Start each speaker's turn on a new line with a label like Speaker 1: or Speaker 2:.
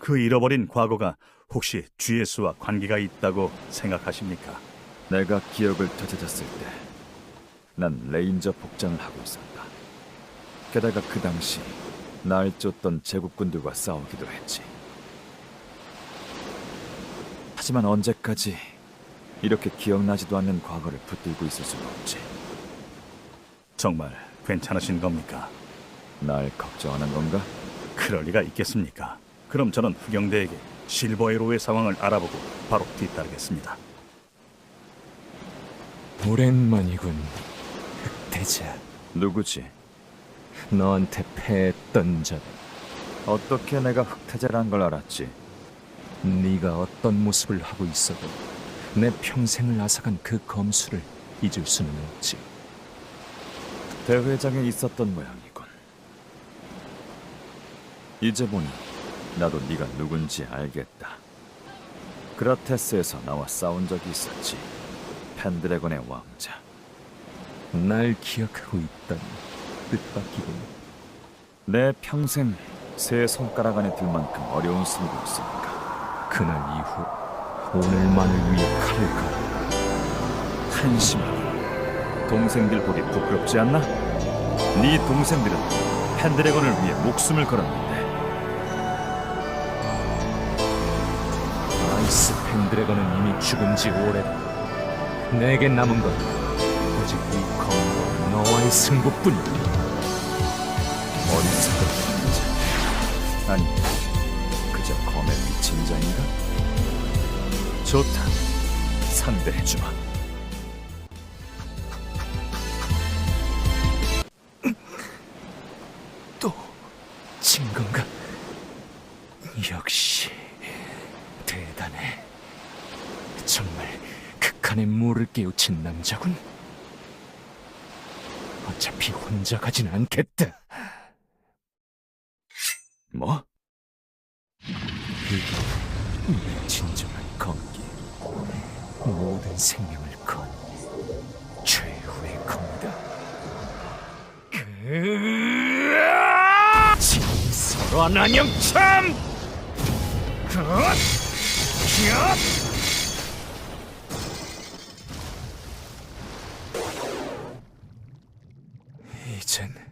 Speaker 1: 그 잃어버린 과거가 혹시 GS와 관계가 있다고 생각하십니까?
Speaker 2: 내가 기억을 되찾았을 때 난 레인저 복장을 하고 있었다. 게다가 그 당시 날 쫓던 제국군들과 싸우기도 했지. 하지만 언제까지 이렇게 기억나지도 않는 과거를 붙들고 있을 수는 없지.
Speaker 1: 정말 괜찮으신 겁니까?
Speaker 2: 날 걱정하는 건가?
Speaker 1: 그럴 리가 있겠습니까? 그럼 저는 후경대에게 실버에로의 상황을 알아보고 바로 뒤따르겠습니다.
Speaker 3: 오랜만이군, 흑태자.
Speaker 2: 누구지?
Speaker 3: 너한테 패했던 자.
Speaker 2: 어떻게 내가 흑태자란 걸 알았지?
Speaker 3: 네가 어떤 모습을 하고 있어도 내 평생을 앗아간 그 검수를 잊을 수는 없지.
Speaker 2: 대회장에 있었던 모양이군. 이제 보니 나도 네가 누군지 알겠다. 그라테스에서 나와 싸운 적이 있었지. 펜드래곤의 왕자.
Speaker 3: 날 기억하고 있다니 뜻밖이군.
Speaker 2: 내 평생 세 손가락 안에 들 만큼 어려운 승부였으니까.
Speaker 3: 그날 이후 오늘만을 위해 칼을 갈아.
Speaker 2: 한심하고 동생들 보기 부끄럽지 않나? 네 동생들은 펜드래곤을 위해 목숨을 걸었는데.
Speaker 3: 아이스 펜드래곤은 이미 죽은 지 오래다. 내게 남은 건 오직 이 검과 너와의 승부뿐이야.
Speaker 2: 어리석은 남자. 아니, 그저 검에 미친 자인가? 좋다, 상대해주마.
Speaker 3: 또 진 건가? 역시 대단해. 정말 극한의 물을 깨우친 남자군. 어차피 혼자 가진 않겠다.
Speaker 2: 뭐?
Speaker 3: 이게 네 진정한 검기. 모든 생명을 건 최후의 검이다. 진설한 안녕참! 이젠